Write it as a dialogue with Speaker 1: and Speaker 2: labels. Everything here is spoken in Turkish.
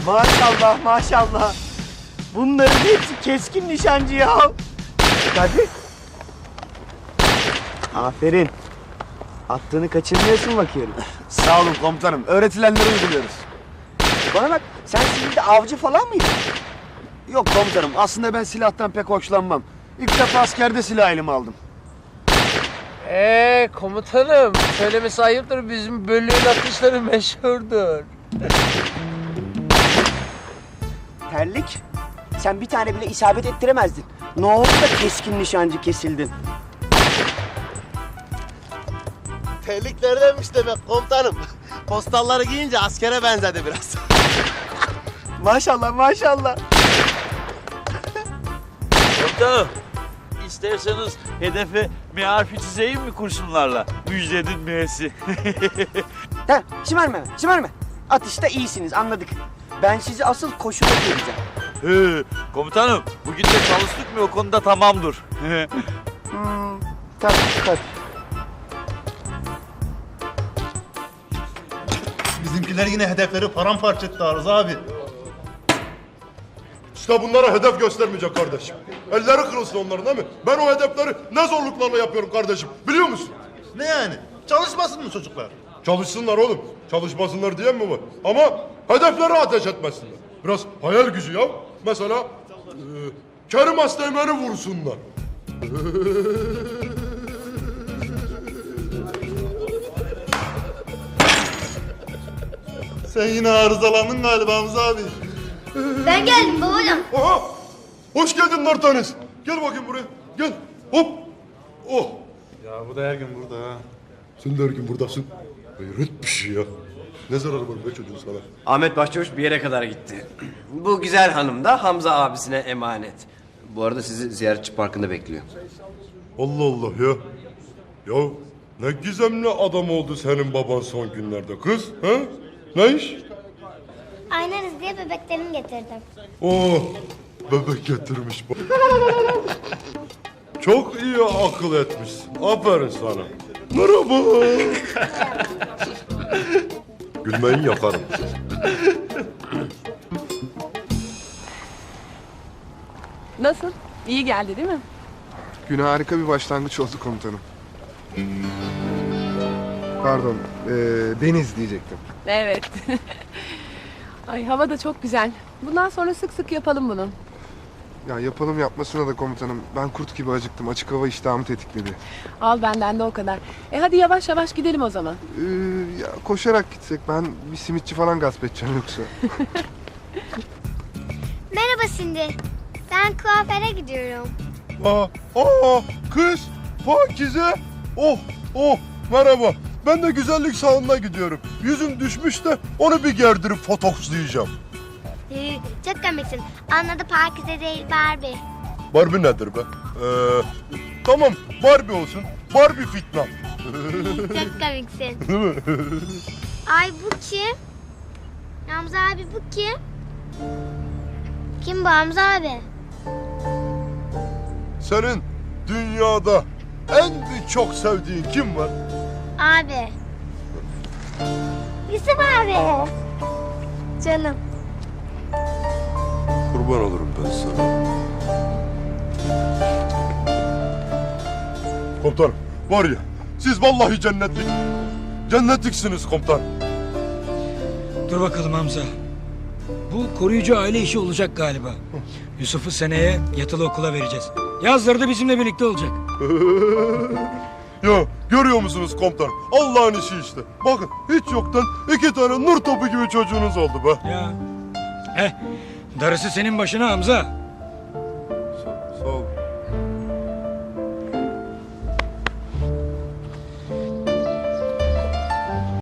Speaker 1: Maşallah maşallah. Bunların hepsi keskin nişancı ya. Hadi. Aferin. Attığını kaçırmıyorsun bakıyorum.
Speaker 2: Sağ olun komutanım. Öğretilenleri uyguluyoruz.
Speaker 1: Bana bak, sen şimdi de avcı falan mıydın?
Speaker 2: Yok komutanım. Aslında ben silahtan pek hoşlanmam. İlk defa askerde silah elime aldım.
Speaker 3: Komutanım, söylemesi ayıptır, bizim bölüğün atışları meşhurdur.
Speaker 1: Terlik, sen bir tane bile isabet ettiremezdin. Ne oldu da keskin nişancı kesildin?
Speaker 4: Terliklerdenmiş demek komutanım. Postalları giyince askere benzedi biraz.
Speaker 1: Maşallah maşallah.
Speaker 5: Komutanım, isterseniz hedefe M harfi çizeyim mi kurşunlarla? Müjdenin M'si.
Speaker 1: Ha, şımarma. Atışta iyisiniz, anladık. Ben sizi asıl koşuda göreceğim.
Speaker 5: Komutanım, bugün de çalıştık mı o konuda tamamdır.
Speaker 1: Tabii.
Speaker 6: Bizimkiler yine hedefleri paramparça etti Arıza abi.
Speaker 7: İşte bunlara hedef göstermeyecek kardeşim. Elleri kırılsın onların değil mi? Ben o hedefleri ne zorluklarla yapıyorum kardeşim. Biliyor musun?
Speaker 6: Ne yani? Çalışmasın mı çocuklar?
Speaker 7: Çalışsınlar oğlum. Çalışmasınlar diyen mi var? Ama hedefleri ateş etmesinler. Biraz hayal gücü ya. Mesela Kerim Asteğmen'i vursunlar.
Speaker 6: Sen yine arızalandın galiba Hamza abi.
Speaker 8: Ben geldim babacığım.
Speaker 7: Aha! Hoş geldin Nartanes. Gel bakayım buraya. Gel. Hop. Oh.
Speaker 6: Ya bu da her gün burada ha.
Speaker 7: Sen de her gün buradasın. Hayret bir şey ya. Ne zararı var be çocuğun sana?
Speaker 4: Ahmet Başçavuş bir yere kadar gitti. Bu güzel hanım da Hamza abisine emanet. Bu arada sizi ziyaretçi parkında bekliyor.
Speaker 7: Allah Allah ya. Ya ne gizemli adam oldu senin baban son günlerde kız. Ha? Ne iş?
Speaker 8: Aynarız diye bebeklerimi getirdim.
Speaker 7: Oh, bebek getirmiş bak. Çok iyi akıl etmişsin. Aferin sana. Merhaba. Gülmeyin yakarım.
Speaker 9: Nasıl? İyi geldi değil mi?
Speaker 10: Güne harika bir başlangıç oldu komutanım. Pardon, deniz diyecektim.
Speaker 9: Evet. Ay hava da çok güzel. Bundan sonra sık sık yapalım bunu.
Speaker 10: Ya yapalım yapmasına da komutanım. Ben kurt gibi acıktım. Açık hava iştahımı tetikledi.
Speaker 9: Al benden de o kadar. Hadi yavaş yavaş gidelim o zaman.
Speaker 10: Ya koşarak gitsek ben bir simitçi falan gasp edeceğim yoksa.
Speaker 8: Merhaba Cindy. Ben kuaföre gidiyorum.
Speaker 7: Kız, Pakize. Oh, merhaba. Ben de güzellik salonuna gidiyorum. Yüzüm düşmüş de onu bir gerdirip fotokslayacağım.
Speaker 8: Çok komiksin. Anladı Pakize değil Barbie.
Speaker 7: Barbie nedir be? Tamam, Barbie olsun. Barbie fitna.
Speaker 8: Çok komiksin. Ay bu kim? Hamza abi bu kim? Kim bu Hamza abi?
Speaker 7: Senin dünyada en çok sevdiğin kim var?
Speaker 8: Abi. Yusuf abi. Canım.
Speaker 7: Kurban olurum ben sana. Komutanım, var ya, siz vallahi cennetliksiniz komutan.
Speaker 11: Dur bakalım Hamza. Bu koruyucu aile işi olacak galiba. Yusuf'u seneye yatılı okula vereceğiz. Yazları da bizimle birlikte olacak.
Speaker 7: Ya görüyor musunuz komutanım? Allah'ın işi işte. Bakın hiç yoktan 2 tane nur topu gibi çocuğunuz oldu be.
Speaker 11: Ya. Darısı senin başına Hamza.